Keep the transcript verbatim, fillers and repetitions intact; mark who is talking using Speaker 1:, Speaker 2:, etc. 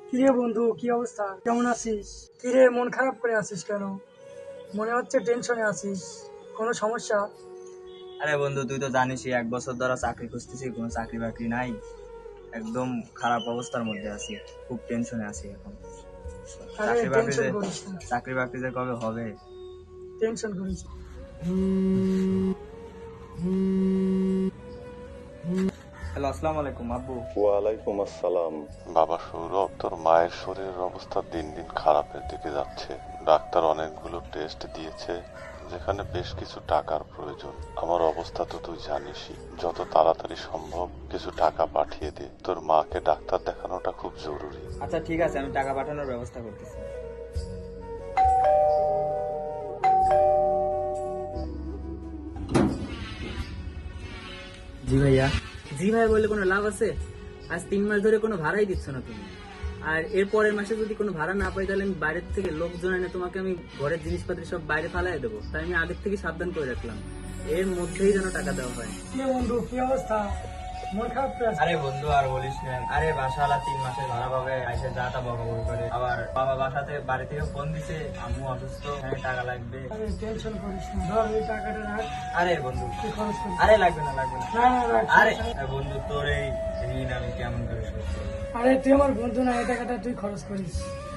Speaker 1: কিরে বন্ধু, কি অবস্থা? কেমন আছিস? কিরে, মন খারাপ করে আছিস কেন? মনে হচ্ছে টেনশনে আছিস। কোনো সমস্যা?
Speaker 2: আরে বন্ধু, তুই তো জানিসই এক বছর ধরে চাকরি খুঁজতেছি, কোনো চাকরি বাকরি নাই। একদম খারাপ অবস্থার মধ্যে আছি, খুব টেনশনে আছি এখন।
Speaker 1: আরে
Speaker 2: চাকরি বাকরি
Speaker 1: টেনশন
Speaker 2: যে
Speaker 1: করিস না,
Speaker 2: চাকরি বাকরি যে কবে হবে।
Speaker 1: টেনশন করিস না।
Speaker 2: হ্যালো, আসসালামু আলাইকুম আব্বু।
Speaker 3: ওয়ালাইকুম আসসালাম। বাবা সৌরভ, তোর মায়ের শরীরের অবস্থা দিন দিন খারাপের দিকে যাচ্ছে। ডাক্তার অনেকগুলো টেস্ট দিয়েছে, যেখানে বেশ কিছু টাকার প্রয়োজন। আমার অবস্থা তো তুই জানিসই। যত তাড়াতাড়ি সম্ভব কিছু টাকা পাঠিয়ে দে, তোর মাকে ডাক্তার দেখানোটা খুব জরুরি।
Speaker 2: আচ্ছা ঠিক আছে, আমি টাকা পাঠানোর ব্যবস্থা করতেছি।
Speaker 4: জি ভাইয়া। জি ভাইয়া বললে কোনো লাভ আছে? আজ তিন মাস ধরে কোনো ভাড়াই দিচ্ছ না তুমি। আর এর পরের মাসে যদি কোনো ভাড়া না পাই, তাহলে আমি বাইরের থেকে লোকজন এনে তোমাকে আমি ঘরের জিনিসপত্র সব বাইরে ফালাই দেবো। তাই আমি আগের থেকে সাবধান করে রাখলাম, এর মধ্যেই যেন টাকা দেওয়া হয়।
Speaker 1: কিরে বন্ধু, কি অবস্থা? মন খারাপ করে আছিস?
Speaker 2: আরে বন্ধু আর বলিস না, আরে বাসাওয়ালা তিন মাসের ভাড়া পাবে এসে যা তা বকাবকি করে। আবার বাবা বাসাতে বাড়ি থেকে ফোন দিছে, আম্মু অসুস্থ, এখানে টাকা লাগবে।
Speaker 1: আরে টেনশন করিস না, ধর এই টাকাটা রাখ,
Speaker 2: আরে বন্ধু,
Speaker 1: তুই খরচ করিস।
Speaker 2: আরে লাগবে না লাগবে না।
Speaker 1: না না রাখ।
Speaker 2: আরে বন্ধু, তোর এই ঋণ আমি কেমন করে শোধ করবো?
Speaker 1: আরে তুই আমার বন্ধু না, এই টাকাটা তুই খরচ করিস।